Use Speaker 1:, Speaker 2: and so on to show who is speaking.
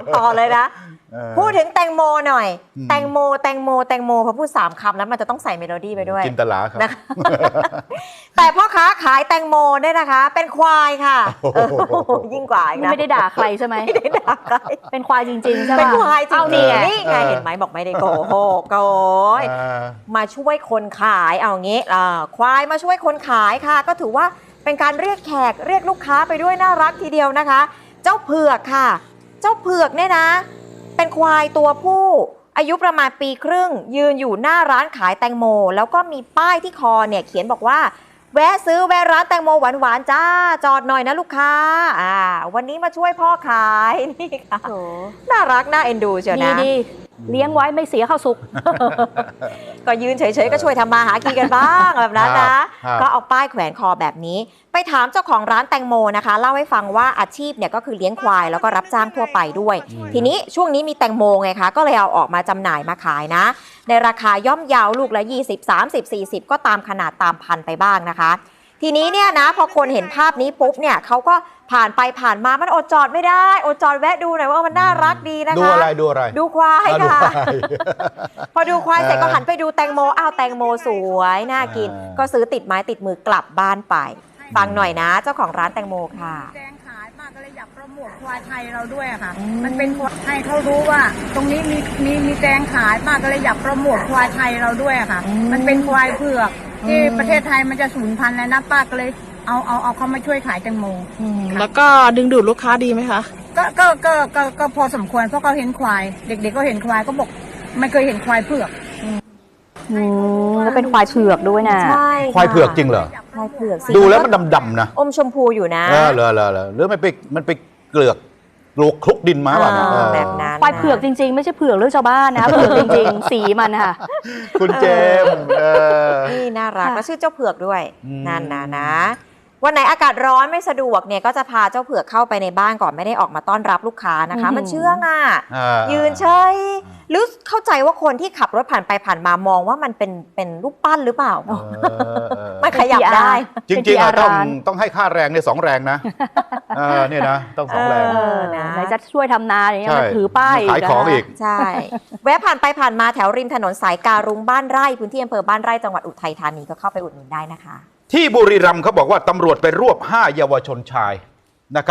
Speaker 1: ต่อเลยนะพูดถึงแตงโมหน่อยแตงโมพอพูด3 คำแล้วมันจะต้องใส่เมโลดี้ไปด้วย
Speaker 2: จินตลาครับ
Speaker 1: แต่พ่อค้าขายแตงโมเนี่ยนะคะ เป็นควายค่ะยิ่งกว่าอีกนะ
Speaker 3: ไม่ได้ด่าใครใช่ไหม
Speaker 1: ไม่ได้ด่าใคร
Speaker 3: เป็นควายจริงๆใช่ไหม
Speaker 1: เป็นควายจริงๆนี่ไง
Speaker 2: เห็
Speaker 1: เห็นไหมบอกไม่ได้โกหกโกยมาช่วยคนขายเอางี้ควายมาช่วยคนขายค่ะก็ถือว่าเป็นการเรียกแขกเรียกลูกค้าไปด้วยน่ารักทีเดียวนะคะ เจ้าเผือกค่ะเจ้าเผือกเนี่ยนะเป็นควายตัวผู้อายุประมาณ1 ปีครึ่งยืนอยู่หน้าร้านขายแตงโมแล้วก็มีป้ายที่คอเนี่ยเขียนบอกว่าแวะซื้อแวะร้านแตงโมหวานๆจ้าจอดหน่อยนะลูกค้าวันนี้มาช่วยพ่อขายนี่ค่ะน่ารักน่าเอ็นดูเชียวนะ
Speaker 3: ดีเลี้ยงไว้ไม่เสียข้าวสุก
Speaker 1: ก็ยืนเฉยๆก็ช่วยทำมาหากินกันบ้างแบบนั้นนะก็เอาป้ายแขวนคอแบบนี้ไปถามเจ้าของร้านแตงโมนะคะเล่าให้ฟังว่าอาชีพเนี่ยก็คือเลี้ยงควายแล้วก็รับจ้างทั่วไปด้วยทีนี้ช่วงนี้มีแตงโมไงคะก็เลยเอาออกมาจำหน่ายมาขายนะในราคาย่อมเยาลูกละ20 30 40ก็ตามขนาดตามพันไปบ้างนะคะทีนี้เนี่ยนะพอคนเห็นภาพนี้ปุ๊บเนี่ยเขาก็ผ่านไปผ่านมามันอดจอดไม่ได้อดจอดแวะดูหน่อยว่ามันน่ารักดีนะคะ
Speaker 2: ดูอะไรดู
Speaker 1: ควายค่ะพอดูควายเสร็จก็หันไปดูแตงโมแตงโมสวยน่ากินก็ซื้อติดไม้ติดมือกลับบ้านไปฟังหน่อยนะเจ้าของร้านแตงโมค่ะ
Speaker 4: แตงขายป้าก็เลยอยากโปรโมทควายไทยเราด้วยค่ะมันเป็นให้เขารู้ว่าตรงนี้มีแตงขายป้าก็เลยอยากโปรโมทควายไทยเราด้วยค่ะมันเป็นควายเผือกที่ประเทศไทยมันจะสูญพันธุ์แล้วนะป้าก็เลยเอาเขามาช่วยขายแตงโม
Speaker 5: แล้วก็ดึงดูดลูกค้าดีไหมคะ
Speaker 4: ก็พอสมควรเพราะเขาเห็นควายเด็กๆก็เห็นควายก็บอกไม่เคยเห็นควายเผือก
Speaker 3: แล้วเป็นควายเผือกด้วยนะ
Speaker 1: ใช่
Speaker 2: ควายเผือกจริงเหรอ
Speaker 1: ควายเผือก
Speaker 2: ดูแล้วมันดำๆนะ
Speaker 1: อมชมพูอยู่นะ
Speaker 2: เหรอหรือมันไปเกลือกคลุกดินมาแบบ
Speaker 1: นั้น
Speaker 3: ควายเผือกจริงๆไม่ใช่เผือกเรื่องชาวบ้านนะเผือกจริงๆสีมันค่ะ
Speaker 2: คุณเจม
Speaker 1: นี่น่ารักแล้วชื่อเจ้าเผือกด้วยนั่นนะวันไหนอากาศร้อนไม่สะดวกเนี่ยก็จะพาเจ้าเผือกเข้าไปในบ้านก่อนไม่ได้ออกมาต้อนรับลูกค้านะคะมันเชื่องยืนเฉยหรือเข้าใจว่าคนที่ขับรถผ่านไปผ่านมามองว่ามันเป็นรูปปั้นหรือเปล่าไม่ขยับได้
Speaker 2: จริงๆต้องให้ค่าแรงเนี่ย2 แรงนะเนี่ยนะต้อง2 แรง
Speaker 3: ไหนจะช่วยทำนาอย่างเงี้ยมันถือป้าย
Speaker 2: ขายของอีก
Speaker 1: ใช่แวะผ่านไปผ่านมาแถวริมถนนสายการุงบ้านไร่พื้นที่อำเภอบ้านไร่จังหวัดอุทัยธานีก็เข้าไปอุดหนุนได้นะคะ
Speaker 2: ที่บุรีรัมย์เขาบอกว่าตำรวจไปรวบ5 เยาวชนชาย